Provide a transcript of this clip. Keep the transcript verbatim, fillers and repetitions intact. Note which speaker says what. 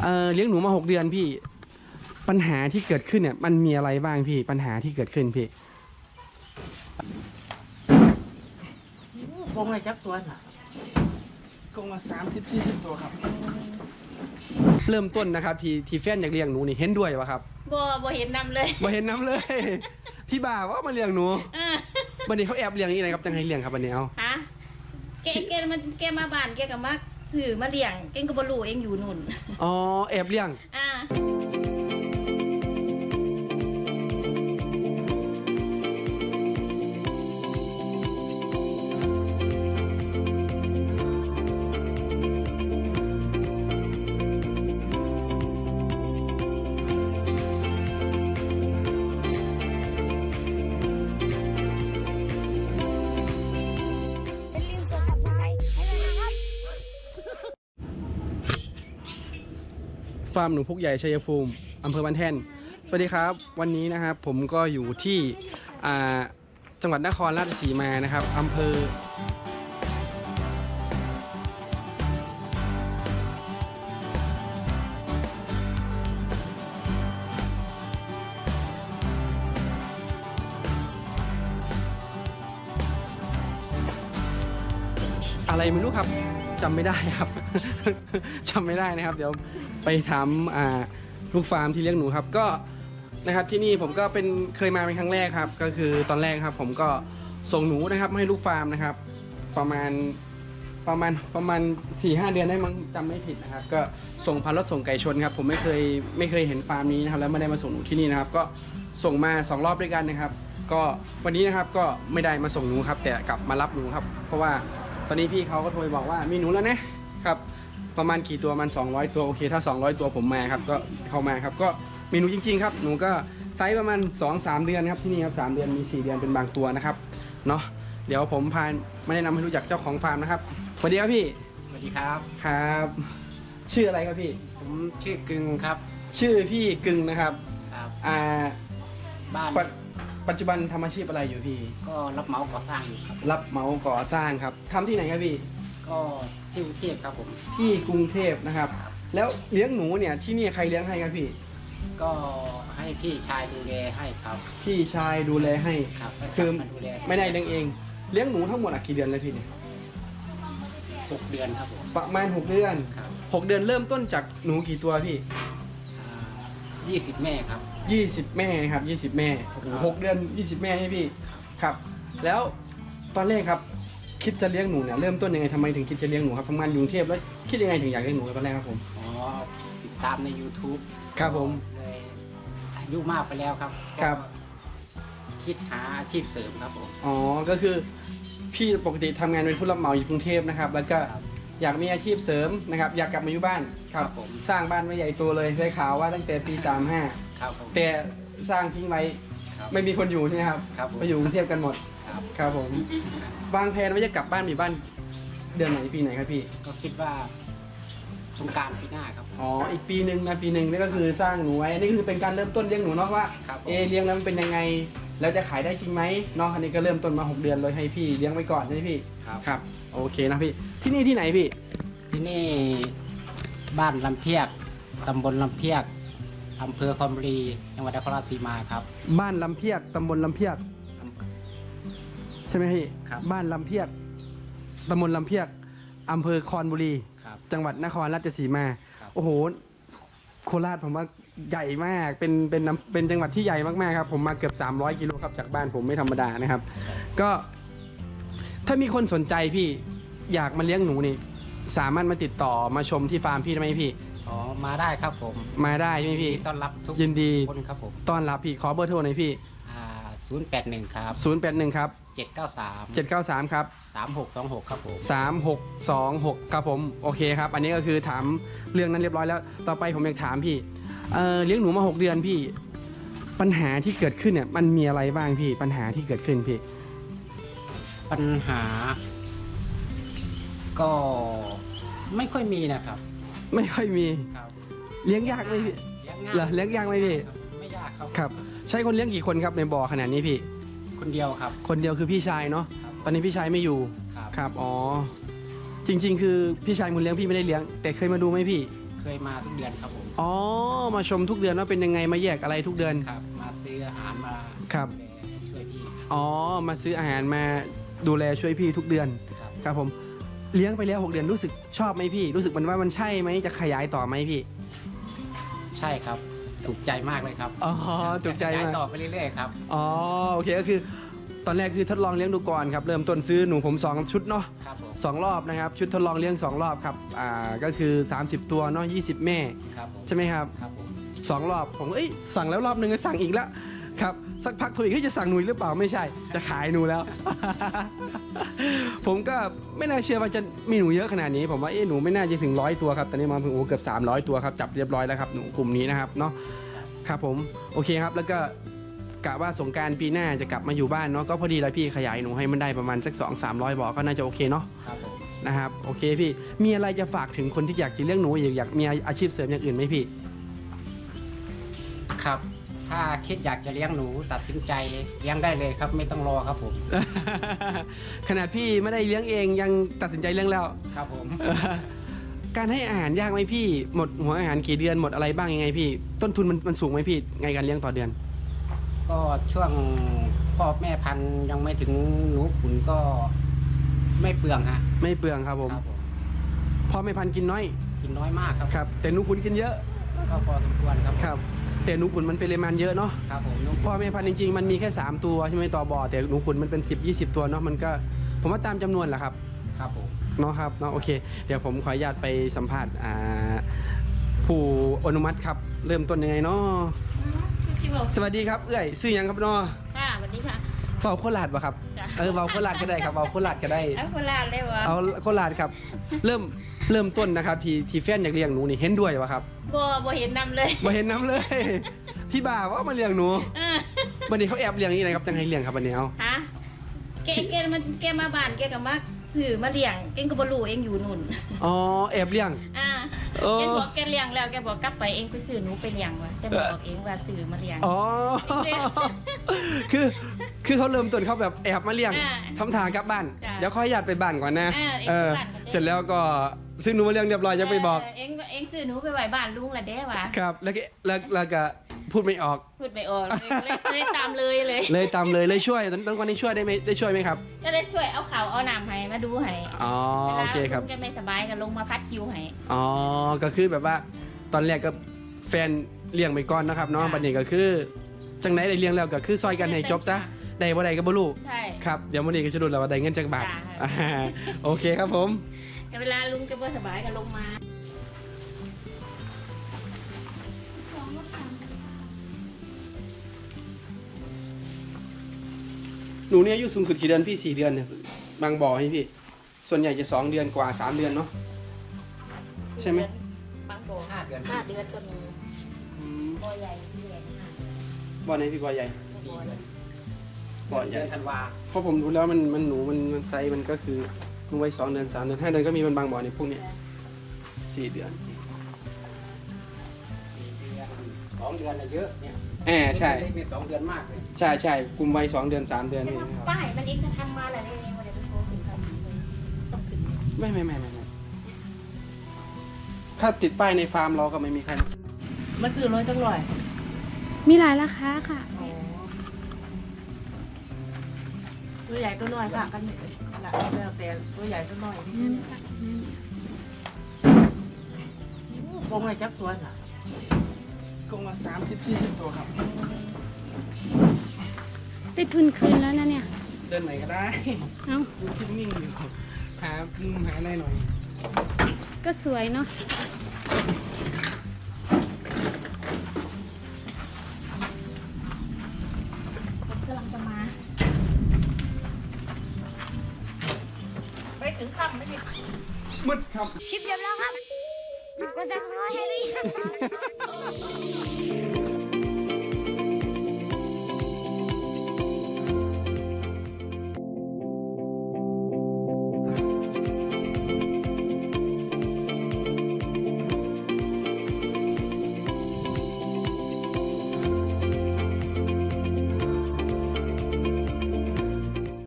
Speaker 1: เอ่อเลี้ยงหนูมาหกเดือนพี่ปัญหาที่เกิดขึ้นเนี่ยมันมีอะไรบ้างพี่ปัญหาที่เกิดขึ้นพี่
Speaker 2: กงเลยจักตัวน่ะ
Speaker 1: กงมาสามสิบสี่สิบตัวครับเริ่มต้นนะครับที่ที่แฟนอยากเลี้ยงหนูนี่เห็นด้วยวะครับ
Speaker 3: บ่บ่เห็นนำเลย
Speaker 1: บ่เห็นน้ำเลย พี่บ่าว่ามาเลี้ยงหนูวันนี้เขาแอบเลี้ยงนี่นะครับจังให้เลี้ยงครับวันนี้เอา
Speaker 3: ฮะแกแกมันแกมาบ้านแกก็มาซื้อมาเลี้ยงเองก็บ่รู้เองอยู่นู่น
Speaker 1: อ๋อแอบเลี้ยง
Speaker 3: อ่า
Speaker 1: ฟาร์มหนูพุกใหญ่ชัยภูมิอำเภอบ้านแท่นสวัสดีครับวันนี้นะครับผมก็อยู่ที่จังหวัดนครราชสีมานะครับอำเภออะไรไม่รู้ครับจำไม่ได้ครับ จำไม่ได้นะครับเดี๋ยวไปถามลูกฟาร์มที่เลี้ยงหนูครับก็นะครับที่นี่ผมก็เป็นเคยมาเป็นครั้งแรกครับก็คือตอนแรกครับผมก็ส่งหนูนะครับให้ลูกฟาร์มนะครับประมาณประมาณประมาณ สี่ห้า เดือนได้มั้งจำไม่ผิดนะครับก็ส่งพันรถส่งไก่ชนครับผมไม่เคยไม่เคยเห็นฟาร์มนี้นะครับแล้วไม่ได้มาส่งหนูที่นี่นะครับก็ส่งมาสองรอบด้วยกันนะครับก็วันนี้นะครับก็ไม่ได้มาส่งหนูครับแต่กลับมารับหนูครับเพราะว่าตอนนี้พี่เขาก็โทรบอกว่ามีหนูแล้วนะครับประมาณกี่ตัวมันสองร้อยตัวโอเคถ้าสองร้อยตัวผมมาครับก็เข้ามาครับก็มีหนูจริงๆครับหนูก็ไซส์ประมาณ สองถึงสาม เดือนครับที่นี่ครับสามเดือนมีสี่เดือนเป็นบางตัวนะครับเนาะเดี๋ยวผมพามาแนะนำให้รู้จักเจ้าของฟาร์มนะครับสวัสดีครับพี่
Speaker 2: สวัสดีครับ
Speaker 1: ครับชื่ออะไรครับพี่
Speaker 2: ผมชื่อกึ่งครับ
Speaker 1: ชื่อพี่กึ่งนะครับ
Speaker 2: ครับ
Speaker 1: อ่า
Speaker 2: บ้าน
Speaker 1: ปัจจุบันทำอาชีพอะไรอยู่พี่
Speaker 2: ก็รับเหมาก่อสร้างอยู่ครับ
Speaker 1: รับเหมาก่อสร้างครับทำที่ไหนครับพี่
Speaker 2: ก็ที่กรุงเทพครับผม
Speaker 1: ที่กรุงเทพนะครับแล้วเลี้ยงหนูเนี่ยที่นี่ใครเลี้ยงให้ครับพี่
Speaker 2: ก็ให้พี่ชายดูแลให้ครับ
Speaker 1: พี่ชายดูแลให้
Speaker 2: ครับ
Speaker 1: คือไม่ได้เลี้ยงเองเลี้ยงหนูทั้งหมดกี่เดือนเลยพี่เนี่ย
Speaker 2: หกเดือนครับผม
Speaker 1: ประมาณหกเดือนหกเดือนเริ่มต้นจากหนูกี่ตัวพี่
Speaker 2: ยี่สิบแม่ครับ
Speaker 1: ยี่สิบแม่ครับยี่สิบแม่หกเดือนยี่สิบแม่ให้พี่ครับแล้วตอนแรกครับคิดจะเลี้ยงหนูเนี่ยเริ่มต้นยังไงทำไมถึงคิดจะเลี้ยงหนูครับทำงานอยู่กรุงเทพแล้วคิดยังไงถึงอยากเลี้ยงหนูตอนแรกครับผม
Speaker 2: อ๋อติดตามใน ยูทูบ
Speaker 1: ครับผม
Speaker 2: เลยอายุมากไปแล้วครับ
Speaker 1: ครับ
Speaker 2: คิดหาอาชีพเสริมครับผม
Speaker 1: อ๋อก็คือพี่ปกติทำงานเป็นผู้รับเหมาอยู่กรุงเทพนะครับแล้วก็อยากมีอาชีพเสริมนะครับอยากกลับมาอยู่บ้านครับผมสร้างบ้านไม่ใหญ่โตเลยได้ข่าวว่าตั้งแต่ปีสามสิบห้า
Speaker 2: ครับผม
Speaker 1: แต่สร้างทิ้งไว้ไม่มีคนอยู่ใช่ไหมครับไปอยู่กรุงเทพกันหมด
Speaker 2: ครับ
Speaker 1: ครับผมวางแผนว่าจะกลับบ้านมีบ้านเดือนไหนปีไหนครับพี่
Speaker 2: ก็คิดว่าสงกรานต์ปีหน้าครับ
Speaker 1: อ๋ออีกปีหนึ่งนะปีหนึ่งนี่ก็คือสร้างหนูไว้นี่คือเป็นการเริ่มต้นเลี้ยงหนูเนาะว่าเอเลี้ยงแล้วมันเป็นยังไงแล้วจะขายได้จริงไหมน้องคันนี้ก็เริ่มต้นมาหกเดือนเลยให้พี่เลี้ยงไว้ก่อนใช่ไหมพี่
Speaker 2: ครับ
Speaker 1: ครับโอเคนะพี่ที่นี่ที่ไหนพี่
Speaker 2: ที่นี่บ้านลำเพียกตำบลลำเพียกอำเภอคอมบุรีจังหวัดนครราชสีมาครับ
Speaker 1: บ้านลำเพียกตำบลลำเพียกใช่ไหมพี่
Speaker 2: ครับ
Speaker 1: บ้านลำเพียกตำบลลำเพียกอำเภอคอนบุรีจังหวัดนครราชสีมาโอ้โหโคราชผมว่าใหญ่มากเป็นเป็นเป็นจังหวัดที่ใหญ่มากๆครับผมมาเกือบสามร้อยกิโลครับจากบ้านผมไม่ธรรมดานะครับก็ถ้ามีคนสนใจพี่อยากมาเลี้ยงหนูนี่สามารถมาติดต่อมาชมที่ฟาร์มพี่ได้ไหมพี่
Speaker 2: อ๋อมาได้ครับผม
Speaker 1: มาได้ไหมพี่
Speaker 2: ต้อนรับทุก
Speaker 1: ยินดี
Speaker 2: คนครับผม
Speaker 1: ต้อนรับพี่ขอเบอร์โทรหน่อยพี่
Speaker 2: อ่าศูนย์แปดหนึ่งครับ
Speaker 1: ศูนย์แปดหนึ่งครับ
Speaker 2: เจ็ดเก้าสาม
Speaker 1: เจ็ดเก้าสามครับ
Speaker 2: สามหกสองหกครับผม
Speaker 1: สามหกสองหกครับผมโอเคครับอันนี้ก็คือถามเรื่องนั้นเรียบร้อยแล้วต่อไปผมอยากถามพี่เอ่อเลี้ยงหนูมาหกเดือนพี่ปัญหาที่เกิดขึ้นเนี่ยมันมีอะไรบ้างพี่ปัญหาที่เกิดขึ้นพี่
Speaker 2: ปัญหาก็ไม่ค่อยมีนะครับ
Speaker 1: ไม่ค่อยมี
Speaker 2: ครับ
Speaker 1: เลี้ยงยากไหมพี่เหรอเลี้ยงยากไหมพี่
Speaker 2: ไม่ยากครับ
Speaker 1: ครับใช้คนเลี้ยงกี่คนครับในบ่อขนาดนี้พี่
Speaker 2: คนเดียวครับ
Speaker 1: คนเดียวคือพี่ชายเนาะตอนนี้พี่ชายไม่อยู่ครับอ๋อจริงๆคือพี่ชายมึงเลี้ยงพี่ไม่ได้เลี้ยงแต่เคยมาดูไหมพี่
Speaker 2: เคยมาทุกเดือนครับผม
Speaker 1: อ๋อมาชมทุกเดือนว่าเป็นยังไงมาแยกอะไรทุกเดือน
Speaker 2: ครับ มาซื้ออาหารมา
Speaker 1: ครับ
Speaker 2: ดูแลช่วยพี่
Speaker 1: อ๋อมาซื้ออาหารมาดูแลช่วยพี่ทุกเดือน
Speaker 2: ครับ
Speaker 1: ครับผมเลี้ยงไปแล้วหกเดือนรู้สึกชอบไหมพี่ รู้สึกมันว่ามันใช่ไหมจะขยายต่อไหมพี่
Speaker 2: ใช่ครับถูกใจมากเลยครับ
Speaker 1: อ๋อถูกใจ
Speaker 2: ขยาย
Speaker 1: มาก
Speaker 2: ต่อไปเรื่อยๆครับ
Speaker 1: อ๋อโอเคก็คือตอนแรกคือทดลองเลี้ยงดูก่อนครับเริ่มต้นซื้อหนูผมสองชุดเนาะ
Speaker 2: ครับผม
Speaker 1: สองรอบนะครับชุดทดลองเลี้ยงสองรอบครับอ่าก็คือสามสิบตัวเนาะยี่สิบแม่
Speaker 2: ครับผม
Speaker 1: ใช่ไหมครับ
Speaker 2: ครับผม
Speaker 1: สองรอบผมก็เอ้ยสั่งแล้วรอบหนึ่งก็สั่งอีกแล้วครับสักพักโทรอีกเฮ้ยจะสั่งหนูอีกหรือเปล่าไม่ใช่จะขายหนูแล้ว ผมก็ไม่น่าเชื่อว่าจะมีหนูเยอะขนาดนี้ผมว่าเอ๊ะหนูไม่น่าจะถึงร้อยตัวครับตอนนี้มาถึงโอ้เกือบสามร้อยตัวครับจับเรียบร้อยแล้วครับหนูกลุ่มนี้นะครับเนาะครับผมโอเคครับแล้วก็กะว่าสงกรารปีหน้าจะกลับมาอยู่บ้านเนาะก็พอดีแล้วพี่ขยายหนูให้มันได้ประมาณสักสองสามร้อยบ่อก็น่าจะโอเคเนาะ
Speaker 2: ครับผม
Speaker 1: นะครับโอเคพี่มีอะไรจะฝากถึงคนที่อยากจะเลี้ยงหนูอีกอยากมีอาชีพเสริมอย่างอื่นไหมพี่
Speaker 2: ครับ ถ้าคิดอยากจะเลี้ยงหนูตัดสินใจเลี้ยงได้เลยครับไม่ต้องรอครับผม
Speaker 1: ขนาดพี่ไม่ได้เลี้ยงเองยังตัดสินใจเลี้ยงแล้ว
Speaker 2: ครับผม
Speaker 1: การให้อาหารยากไหมพี่หมดหัวอาหารกี่เดือนหมดอะไรบ้างยังไงพี่ ต้นทุนมันมันสูงไหมพี่ไงการเลี้ยงต่อเดือน
Speaker 2: ก็ช่วงพ่อแม่พันธุ์ยังไม่ถึงหนูขุนก็ไม่เปลืองฮะ
Speaker 1: ไม่เปลืองครับผม
Speaker 2: ครับผม
Speaker 1: พ่อไม่พันธุ์กินน้อย
Speaker 2: กินน้อยมากครับ
Speaker 1: ครับ แต่หนูขุนกินเยอะ
Speaker 2: ก็พอสมควรครับ
Speaker 1: ครับ แต่หนูขุนมันปริมาณเยอะเนาะ
Speaker 2: ครับผมนุ๊ก
Speaker 1: พ่อแม่พันธุ์จริงๆมันมีแค่สามตัวใช่ไหมต่อบ่อแต่หนูขุนมันเป็นสิบ ยี่สิบตัวเนาะมันก็ผมว่าตามจำนวนแหละครับ
Speaker 2: ครับผม
Speaker 1: เนาะครับเนาะโอเค เดี๋ยวผมขออนุญาตไปสัมภาษณ์อ่าผู้อนุมัติครับ เริ่มต้นยังไงเนาะ
Speaker 3: ชิบอก
Speaker 1: สวัสดีครับเอ้ยซื้อยังครับเนาะ
Speaker 3: ค่ะสวัสดีค่ะ
Speaker 1: เฝ้าโคราชป่ะครับ
Speaker 3: จ้ะ
Speaker 1: เออเฝ้าโคราชก็ได้ครับเฝ้าโคราชก็ได้
Speaker 3: เอาโคราชเลยวะ
Speaker 1: เอาโคราชครับ เริ่มเริ่มต้นนะครับ ที่ที่แฟนอยากเลี้ยงหนูนี่เห็นด้วยวะครับ
Speaker 3: บ่บ่เห็นนำเลย
Speaker 1: มาเห็นน้ำเลย พี่บ่าว่ามาเลี้ยงหนู
Speaker 3: เออ
Speaker 1: วันนี้เขาแอบเลี้ยงนี่นะครับจังให้เลี้ยงครับวันนี้เอา
Speaker 3: ฮะแกแกมันแกมาบ้านแกก็มาซื้อมาเลี้ยงแกก็บ่รู้เองอยู่นู่น
Speaker 1: อ๋อแอบเลี้ยง
Speaker 3: อ่า
Speaker 1: เออ
Speaker 3: แกบอกแกเลี้ยงแล้วแกบอกกลับไปเองไปซื้อหนูไปเลี้ยงวะแกบอกเองว่าซื้อมาเลี้ยง
Speaker 1: อ๋อ คือคือเขาเริ่มต้นเขาแบบแอบมาเลี้ยง
Speaker 3: อ่า
Speaker 1: ทำทางกลับบ้าน
Speaker 3: จ้ะ
Speaker 1: เดี๋ยวขออนุญาตไปบ้านก่อนนะ
Speaker 3: อ่าเอง
Speaker 1: เออ
Speaker 3: ไปบ้านก่อนเด้
Speaker 1: เสร็จแล้วก็ซื้อหนูมาเลี้ยงเรียบร้อยยังไปบอก
Speaker 3: เเองเองซื้อหนูไปไว้บ้านลุงละเด้วะ
Speaker 1: ครับ แล้วก็แล้วแล้วก็พูดไม่ออก
Speaker 3: พูดไม่ออกเลยเลยเลยตามเลยเลย
Speaker 1: เลยตามเลยเลยช่วยตอนตอนวันนี้ช่วยได้ไหมได้ช่วยไหมครับ
Speaker 3: ก็เลยช่วยเอาข่าวเอาน้ำให้มาดูให้
Speaker 1: อ๋อโอเคครับ
Speaker 3: วลาลุงแกไม่สบายก็ลงมาพัดคิวให้
Speaker 1: อ๋อ ก็คือแบบว่าตอนแรกก็แฟนเลี้ยงไปก่อนนะครับเนาะ
Speaker 3: ค่ะ
Speaker 1: บัดนี้ก็คือจังไหนได้เลี้ยงแล้วก็คือซอยกันให้จบซะ ได้บ่ได้ก็บ่รู้
Speaker 3: ใช่
Speaker 1: ครับ เดี๋ยววันนี้ก็จะดูแล้วว่าได้เงินจากบาท
Speaker 3: ค่ะ
Speaker 1: อ่าโอเคครับผม
Speaker 3: แต่เวลาลุงแกไม่สบายก็ลงมา
Speaker 1: หนูเนี่ยอายุสูงสุดกี่เดือนพี่สี่เดือนเนี่ยบางบ่อให้พี่ ส่วนใหญ่จะสองเดือนกว่าสามเดือนเนาะ ใช่ไหม
Speaker 3: บางโบ
Speaker 2: ห้าเดือน
Speaker 3: ห้าเดือนก็มี
Speaker 1: อืม
Speaker 3: โบใหญ่ที่ใหญ่ห้า
Speaker 1: บ่อไหนพี่บ่อใหญ่
Speaker 2: สี่เดือน
Speaker 1: บ่อให
Speaker 2: เดื
Speaker 1: ญ่
Speaker 2: อนธันวา
Speaker 1: เพราะผมดูแล้วมันมันหนูมันมันไซส์มันก็คือมันไว้สองเดือนสามเดือนห้าเดือนก็มีมันบางบ่อในพวกเนี้ยสี่เดือน
Speaker 2: สี่เดือนสองเดือนน่ะเยอะเนี่ย
Speaker 1: แอบใช่
Speaker 2: เล็กๆนี่สองเดือนมากเลย
Speaker 1: ใช่ใช่กลุ่มวัยสองเดือนสามเดือน
Speaker 3: แต่
Speaker 1: นี่
Speaker 3: ว่า
Speaker 1: นะครับ
Speaker 3: ป้ายมันเองจะทำมาอะไรเองวันเดี๋ยวไปโทรถึงเขาเลยต้องขึ้น
Speaker 1: ไม่ไม่ไม่ไม่ไม่ถ้าติดป้ายในฟาร์มเราก็ไม่มีใคร
Speaker 3: มันคือร้อยตั้งร้อย
Speaker 4: มีหลายราคาค่ะ
Speaker 5: ตัวใหญ่ตัวน้อยค่ะกันละแล้วแต่ตัวใหญ่ตัวน้อยกงอะไรจักส่วนอ่ะ
Speaker 1: กงละสามสิบสี่สิบตัวครับ
Speaker 4: ได้ทุนคืนแล้วนะเนี่ย
Speaker 1: เดินไหนก็ได้
Speaker 4: เอ้า
Speaker 1: ดูทิ่นิ่งอยู่หามุมหาอะไรหน่อย
Speaker 4: ก็สวยเนาะ
Speaker 3: กำลังจะมา
Speaker 5: ไปถึงค่ำไม่ได้
Speaker 1: มืดครับ
Speaker 4: คลิปจบแล้วครับกดซับสไครต์ให้หรือยัง